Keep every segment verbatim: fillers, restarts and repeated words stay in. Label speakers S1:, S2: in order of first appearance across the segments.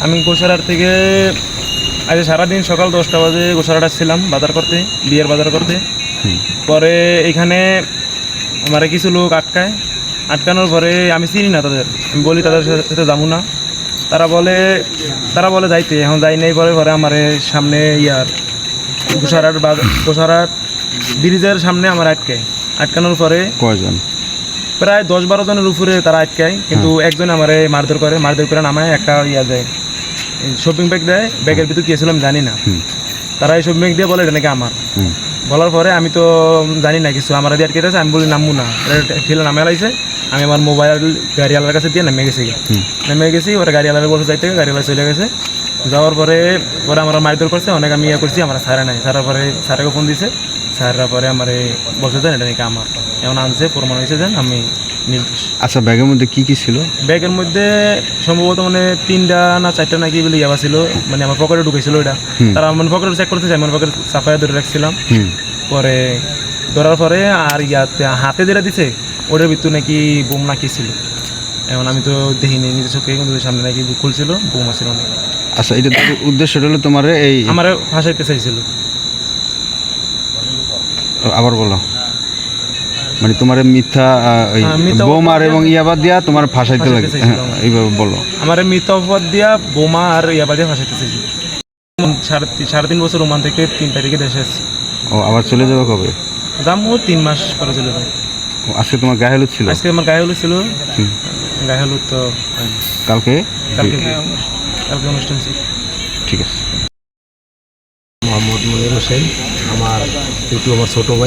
S1: আমি গোসারার থেকে আজ সারাদিন সকাল দশটা বাজে গোসারাট ছিলাম বাজার করতে, বিয়ের বাজার করতে। পরে এখানে আমার কিছু লোক আটকায়, আটকানোর পরে আমি চিনি না তাদের, আমি বলি তাদের সাথে যাবো না। তারা বলে তারা বলে যাইতে, এখন যাই নাই। পরে পরে আমার সামনে ইয়ার গোসারাট গোসারাট ব্রিজের সামনে আমার আটকায়। আটকানোর পরে
S2: কয়জন?
S1: প্রায় দশ বারো জনের উপরে তারা আটকায়, কিন্তু একজন আমার মারধর করে, মারধর করে নামায় একটা ইয়া দেয়, শপিং ব্যাগ দেয়। ব্যাগের ভিতর গিয়েছিলাম জানি না। তারা এই শপিং ব্যাগ দিয়ে বলে এটা নাকি আমার। বলার পরে আমি তো জানি না কিছু, আমার দিয়ে আটকে আছে। আমি বলি নামবো না, ঠেলে নামে লাইছে। আমি আমার মোবাইল গাড়িওয়ালার কাছে দিয়ে নেমে গেছি। নেমে গেছি, ওরা গাড়িওয়ালার বলতে যাইতে, গাড়িওয়ালা চলে গেছে। যাওয়ার পরে পরে আমার মারধর করছে, অনেক আমি ইয়ে করছি। আমার স্যারে নাই, স্যারের পরে স্যারকে ফোন দিছে। স্যাররা পরে আমার বলছে দেন এটা নাকি আমার, এমন আনছে, প্রমাণ হয়েছে দেন আমি নির্দোষ।
S2: আচ্ছা, ব্যাগের মধ্যে কি কি ছিল?
S1: ব্যাগের মধ্যে সম্ভবত মানে তিনটা না চারটা নাকি বলে ইয়াবা ছিল, মানে আমার পকেটে ঢুকেছিল ওইটা। তারা আমার পকেটে চেক করতেছে, আমার পকেটে সাফাইয়া ধরে রাখছিলাম। পরে ধরার পরে আর ইয়াতে হাতে যেটা দিছে ওটার ভিতর নাকি বোম নাকি ছিল। এখন আমি তো দেখিনি নিজের চোখে, কিন্তু সামনে নাকি খুলছিল, বোম আছিল অনেক।
S2: আচ্ছা, এটা উদ্দেশ্যটা হলো তোমার এই
S1: আমার ফাঁসাইতে চাইছিল।
S2: আবার বলো, মানে তোমার মিথ্যা বোম আর এবং ইয়াবা দিয়া তোমার ফাঁসাইতে লাগে, এইভাবে বলো।
S1: আমার মিথ্যা অপবাদ দিয়া বোমা আর ইয়াবা দিয়ে ফাঁসাইতে চাইছিল। সাড়ে সাড়ে তিন বছর ওমান থেকে তিন তারিখে দেশে আসছি।
S2: ও, আবার চলে যাবে কবে?
S1: যাবো তিন মাস পরে চলে যাবো।
S2: আজকে তোমার গায়ে হলুদ ছিল?
S1: আজকে আমার গায়ে হলুদ ছিল। গায়ে হলুদ তো
S2: কালকে
S1: কালকে কালকে অনুষ্ঠান ছিল।
S2: ঠিক আছে।
S3: মোহাম্মদ মনির হোসেন, আমার পিটু আমার ছোটো ভাই।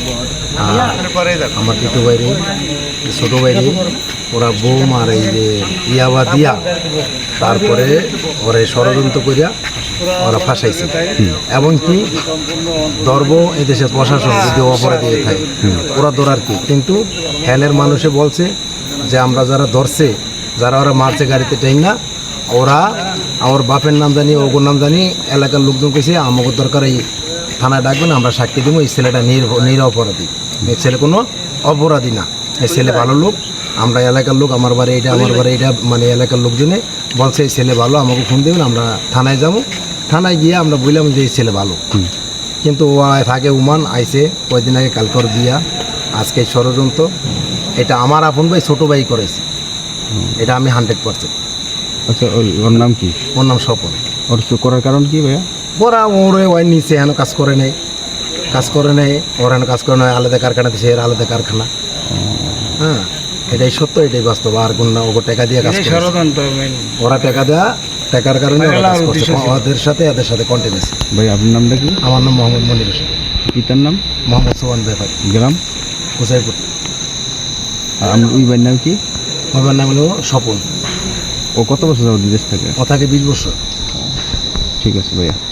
S3: আমার পিটু ভাই রে, ছোটো ভাই রে ওরা বোম আর এই যে ইয়াবা দিয়া তারপরে ওরা ষড়যন্ত্র করিয়া ওরা ফাঁসাইছে। এবং কি ধর্ম এদেশের প্রশাসন যদি অপরাধী থাকে ওরা ধরার কি, কিন্তু হ্যানের মানুষে বলছে যে আমরা যারা ধরছে, যারা ওরা মারছে গাড়িতে ট্রেন না, ওরা আমার বাপের নাম জানি, ওগুর নাম জানি, এলাকার লোকজন কেছে আমাকে দরকার এই থানায় ডাকবেন, আমরা সাক্ষী দেবো এই ছেলেটা নির অপরাধী, এই ছেলে কোনো অপরাধী না, এই ছেলে ভালো লোক। আমরা এলাকার লোক, আমার বাড়ি এইটা, আমার বাড়ি এইটা, মানে এলাকার লোকজনে বলছে এই ছেলে ভালো, আমাকে ফোন দেবেন, আমরা থানায় যাবো। থানায় গিয়ে আমরা বললাম যে এই ছেলে ভালো, কিন্তু ও থাকে উমান আইসে কয়েকদিন আগে, কালকর বিয়া, আজকে ষড়যন্ত্র। এটা আমার আপন ভাই ছোটো ভাই করেছে, এটা আমি হান্ড্রেড পার্সেন্ট।
S2: আচ্ছা, ওর নাম কি?
S3: ওর নাম স্বপন।
S2: ওর করার কারণ কি ভাইয়া?
S3: ওরা ওরে ওই নিচে হেন কাজ করে নেই, কাজ করে নেই, ওর হেন কাজ করে নেয়, আলাদা কারখানা দিচ্ছে, এর আলাদা কারখানা। হ্যাঁ, এটাই সত্য, এটাই বাস্তব। আর কোন না, ওকে টাকা দিয়ে কাজ করে, ওরা টাকা দেওয়া, টাকার কারণে ওরা কাজ করছে, ওদের সাথে এদের সাথে কন্টিনিউস।
S2: ভাই আপনার নামটা কি?
S3: আমার নাম মোহাম্মদ মনির হোসেন।
S2: পিতার নাম?
S3: মোহাম্মদ সোহান বেফাই।
S2: গ্রাম?
S3: কুসাইপুর।
S2: আর আমি ওই ভাইয়ের নাম কি?
S3: আমার নাম হলো স্বপন।
S2: ও কত বছর যাবো বিদেশ থাকে?
S3: ও থাকে বিশ বছর।
S2: ঠিক আছে ভাইয়া।